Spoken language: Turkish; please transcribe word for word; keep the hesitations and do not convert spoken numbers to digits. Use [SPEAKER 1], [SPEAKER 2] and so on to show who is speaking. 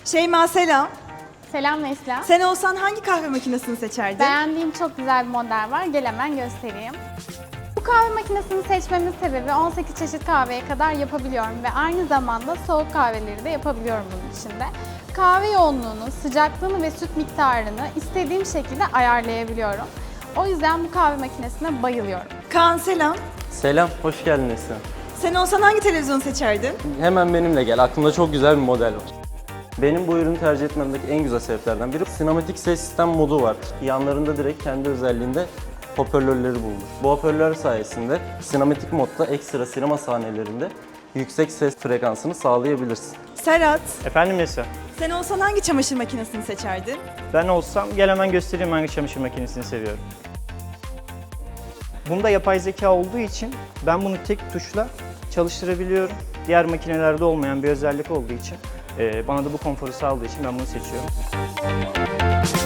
[SPEAKER 1] Şeyma selam.
[SPEAKER 2] Selam Nesla.
[SPEAKER 1] Sen olsan hangi kahve makinesini seçerdin?
[SPEAKER 2] Beğendiğim çok güzel bir model var. Gel hemen göstereyim. Bu kahve makinesini seçmemin sebebi on sekiz çeşit kahveye kadar yapabiliyorum ve aynı zamanda soğuk kahveleri de yapabiliyorum bunun içinde. Kahve yoğunluğunu, sıcaklığını ve süt miktarını istediğim şekilde ayarlayabiliyorum. O yüzden bu kahve makinesine bayılıyorum.
[SPEAKER 1] Kaan selam.
[SPEAKER 3] Selam, hoş geldin Neslihan.
[SPEAKER 1] Sen olsan hangi televizyonu seçerdin?
[SPEAKER 3] Hemen benimle gel, aklımda çok güzel bir model var. Benim bu ürünü tercih etmemdeki en güzel sebeplerden biri sinematik ses sistem modu var. Yanlarında direkt kendi özelliğinde hoparlörleri bulunur. Bu hoparlör sayesinde sinematik modda ekstra sinema sahnelerinde yüksek ses frekansını sağlayabilirsin.
[SPEAKER 1] Serhat.
[SPEAKER 4] Efendim Neslihan?
[SPEAKER 1] Sen olsan hangi çamaşır makinesini seçerdin?
[SPEAKER 4] Ben olsam gel hemen göstereyim hangi çamaşır makinesini seviyorum. Bunda yapay zeka olduğu için ben bunu tek tuşla çalıştırabiliyorum. Diğer makinelerde olmayan bir özellik olduğu için, e, bana da bu konforu sağladığı için ben bunu seçiyorum.